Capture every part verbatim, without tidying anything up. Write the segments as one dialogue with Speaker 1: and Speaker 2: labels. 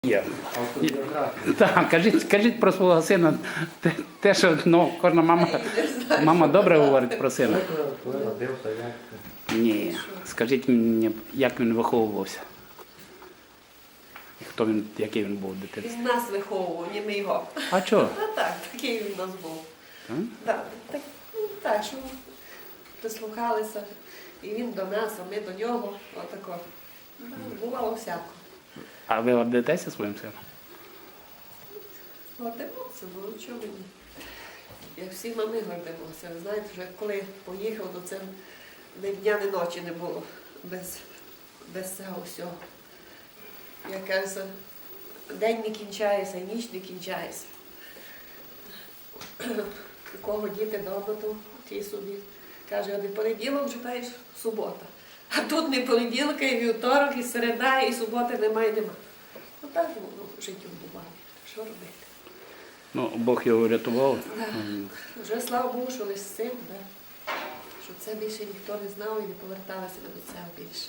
Speaker 1: Є. Так, кажіть, кажіть про свого сина те, те що ну, кожна мама, мама добре говорить про сина. Ні, скажіть мені, як він виховувався? І хто він, який він був дитинстві?
Speaker 2: Він нас виховував, не ми його.
Speaker 1: А чого?
Speaker 2: А так, такий він у нас був. Так, так, ну, так, що прислухалися. І він до нас, а ми до нього. Отако. Ну, бувало всяко.
Speaker 1: А ви гордитеся своїм сином?
Speaker 2: Гордимося, ну чого мені? Як всі мами гордимося. Ви знаєте, вже коли поїхав, то це ні дня, ні ночі не було без, без цього всього. Якась день не кінчається, і ніч не кінчається. У кого діти вдома, то ті собі. Каже, а не понеділок читаєш субота. А тут не понеділка, і вівторок, і середа, і суботи немає, нема. Ну так воно в житті буває. Що робити?
Speaker 1: Ну, Бог його врятував.
Speaker 2: Да. Вже слава Богу, що лише син, да. Щоб це більше ніхто не знав і не поверталося до цього більше.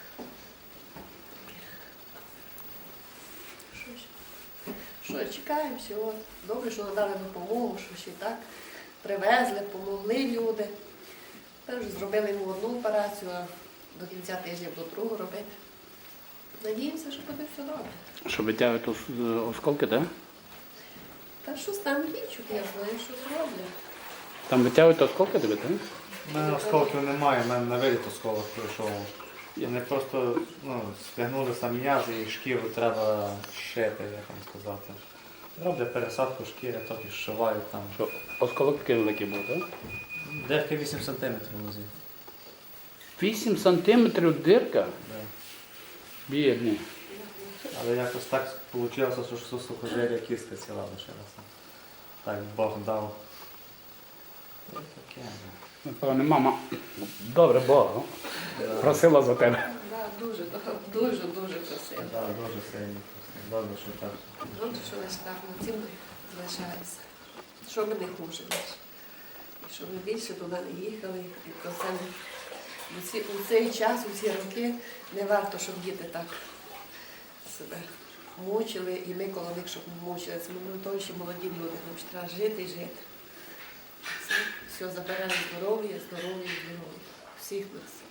Speaker 2: Що ж? Що, чекаємо всього. Добре, що надали допомогу, що ще так привезли, помогли люди. Ми вже зробили йому одну операцію, а до кінця тижня буду другу робити. Надіємося, що буде все добре.
Speaker 1: Що витягують осколки, так?
Speaker 2: Та щось там лічуть, я знаю, що зроблять.
Speaker 1: Там витягують осколки тебе, так?
Speaker 3: У мене осколків немає, в мене на виліт осколок пройшов. Вони просто ну, стягнулися м'язи і шкіру треба шити, як вам сказати. Роблять пересадку шкіри, трохи зшивають там.
Speaker 1: Що, осколок такий великий був, так?
Speaker 3: Дирки вісім сантиметрів в нозі.
Speaker 1: вісім сантиметрів дирка?
Speaker 3: Да.
Speaker 1: Бідний.
Speaker 3: Але якось так вийшло, що сухожилля кістка ціла лишилася. Так Бог дав. І таке.
Speaker 1: Напевне, мама добре Бога просила за тебе.
Speaker 2: Да, дуже, дуже, дуже красиво.
Speaker 3: Да, дуже сильно. Добре, що так.
Speaker 2: Добре, що лише так на цим залишається. Що ми не хуже більше. І що ми більше туди не їхали. І про це не... у, ці, у цей час, у ці роки не варто, щоб діти так себе мучили. І ми коло них, щоб не мучили. Це ми то ще молоді люди. Нам ще треба жити і жити. Це все забирає здоров'я, здоров'я, здоров'я. Всіх нас.